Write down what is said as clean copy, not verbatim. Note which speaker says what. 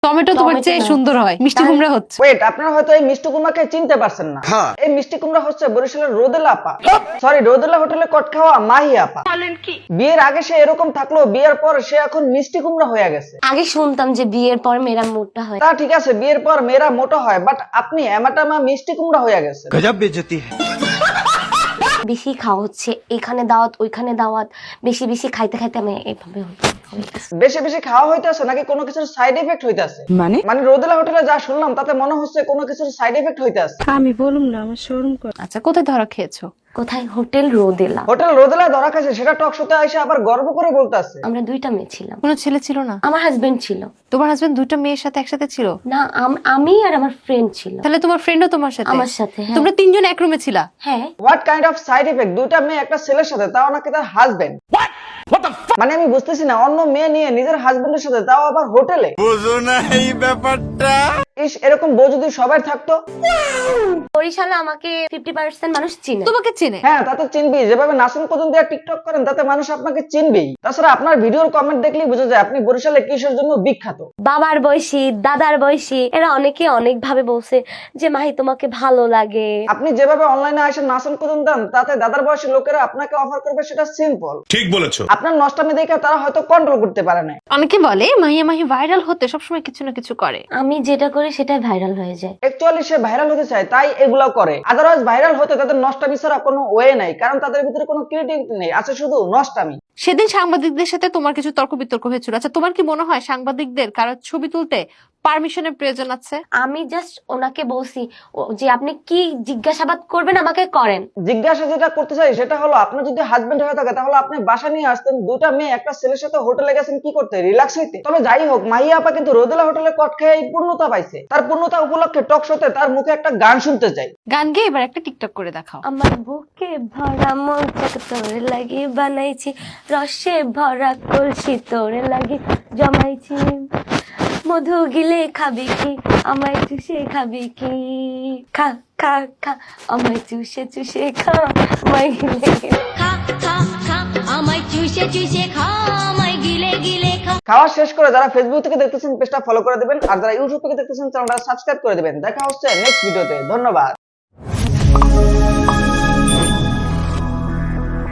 Speaker 1: Tomato তোমার চেয়ে সুন্দর হয়, মিষ্টি কুমড়া হচ্ছে।
Speaker 2: ওয়েট, আপনারা হয়তো এই মিষ্টি কুমড়াকে চিনতে পারছেন না। এই মিষ্টি কুমড়া হচ্ছে বরিশালের রোদেলা আপা, সরি রোদেলা হোটেলে কট খাওয়া মাহি আপা। বিয়ের আগে সে এরকম থাকলো, বিয়ের পর সে এখন মিষ্টি কুমড়া হয়ে গেছে।
Speaker 3: আগে শুনতাম যে বিয়ের পর মেয়েরা মোটা হয়।
Speaker 2: তা ঠিক আছে, বিয়ের পর মেয়েরা মোটা হয়, বাট আপনি এমাটামা মিষ্টি কুমড়া হয়ে গেছে।
Speaker 4: गजब बेइज्जती है।
Speaker 3: বেশি খাওয়া হচ্ছে, এখানে দাওয়াত ওইখানে দাওয়াত, বেশি বেশি খাইতে খাইতে আমি এইভাবে
Speaker 2: বেশি বেশি খাওয়া হইতেছে নাকি কোনো কিছুর সাইড এফেক্ট হইতেছে? মানে রোদেলা হোটেলে যা শুনলাম তাতে মনে হচ্ছে কোনো কিছুর সাইড এফেক্ট হইতেছে।
Speaker 5: আমি বলুম না, আমার শরম করে।
Speaker 1: আচ্ছা, কোথায় ধরা খেয়েছো?
Speaker 3: কোথায়? হোটেল রোদেলা।
Speaker 2: হোটেল রোদেলা ধরা খাইছে, সেটা টক শোতে এসে আবার গর্ব করে বলতেছে।
Speaker 3: আমরা দুইটা মেয়ে ছিলাম।
Speaker 1: কোনো ছেলে ছিল না?
Speaker 3: আমার হাজবেন্ড ছিল।
Speaker 1: তোমার হাজবেন্ড দুটো মেয়ের সাথে একসাথে ছিল?
Speaker 3: না, আমি আর আমার ফ্রেন্ড ছিল।
Speaker 1: তাহলে তোমার ফ্রেন্ডও তোমার সাথে?
Speaker 3: আমার সাথে, হ্যাঁ।
Speaker 1: তোমরা তিনজন এক রুমে ছিলা?
Speaker 3: হ্যাঁ।
Speaker 2: What kind of side effect? দুইটা মেয়ে একটা ছেলের সাথে, তাও নাকি তার হাজবেন্ড। মানে আমি বুঝতেছি না, অন্য মেয়ে নিয়ে নিজের হাজবেন্ডের সাথে, তাও আবার হোটেলে।
Speaker 4: বুঝো না এই ব্যাপারটা।
Speaker 2: ইস, এরকম বউ যদি সবাই থাকতো।
Speaker 3: বরিশালে আমাকে 50% মানুষ চিনে।
Speaker 1: তোমাকে চিনে?
Speaker 2: হ্যাঁ, তা তো চিনবেই। যেভাবে নাসিম কদম দিয়ে টিকটক করেন তাতে মানুষ আপনাকে চিনবেই। তাছাড়া আপনার ভিডিওর কমেন্ট দেখলেই বোঝা যায় আপনি বরিশালে কিসের জন্য বিখ্যাত।
Speaker 3: বাবার বয়সী, দাদার বয়সী, এরা অনেকে অনেক ভাবে বলছে যে মাহি তোমাকে ভালো লাগে।
Speaker 2: আপনি যেভাবে অনলাইনে এসে নাসিম কদম দেন তাতে দাদার বয়সী লোকেরা আপনাকে অফার করবে, সেটা সিম্পল।
Speaker 4: ঠিক বলেছো।
Speaker 2: আপনার নষ্টামি দেখে তারা হয়তো কন্ট্রোল করতে পারে না।
Speaker 1: অনেকে বলে মাহিয়া মাহি ভাইরাল হতে সবসময় কিছু না কিছু করে।
Speaker 3: আমি যেটা করি সেটাই ভাইরাল হয়ে যায়।
Speaker 2: অ্যাকচুয়ালি সে ভাইরাল হতে চায় তাই এগুলো করে, আদারওয়াইজ ভাইরাল হতে তাদের নষ্টামি ছাড়া কোনো ওয়ে নাই, কারণ তাদের ভিতরে কোনো ক্রিয়েটিভিটি নেই, আছে শুধু নষ্টামি।
Speaker 1: সেদিন সাংবাদিকদের সাথে তোমার কিছু তর্ক বিতর্ক হয়েছিল। আচ্ছা, তোমার কি মনে হয় সাংবাদিকদের কারো ছবি তুলতে পারমিশনের প্রয়োজন আছে?
Speaker 3: আমি জাস্ট ওনাকে বলছি যে আপনি কি জিজ্ঞাসাবাদ করবেন আমাকে করেন।
Speaker 2: জিজ্ঞাসা যেটা করতে চাই সেটা হলো, আপনার যদি হাজবেন্ড হয়ে থাকে তাহলে আপনি বাসা নিয়ে আসতেন, দুটা মেয়ে একটা ছেলের সাথে হোটেলে গেছেন কি করতে? রিল্যাক্স হইতে। তবে যাই হোক, মাহিয়া আপা কিন্তু রোদেলা হোটেলে কট খেয়ে এই পূর্ণতা পাইছে। তার পূর্ণতা উপলক্ষে টক শোতে তার মুখে একটা গান শুনতে চাই।
Speaker 1: গান গেয়ে এবার একটা টিকটক করে দেখাও।
Speaker 3: আমার বুকে ভরা মৌচাক তোরে লাগি বানাইছি, রসে ভরা কলসি তোরে লাগি জমাইছি, মধু গিলে খাবি কি আমায় চুষে খাবি কি, খা খা খা আমায় চুষে চুষে খা, আমায় গিলে গিলে
Speaker 6: খা খা খা আমায় চুষে চুষে খা, আমায় গিলে গিলে খা।
Speaker 2: খাওয়া শেষ করে যারা ফেসবুক থেকে দেখতেছেন পেজটা ফলো করে দিবেন, আর যারা ইউটিউব থেকে দেখতেছেন চ্যানেলটা সাবস্ক্রাইব করে দিবেন। দেখা হচ্ছে নেক্সট ভিডিওতে। ধন্যবাদ।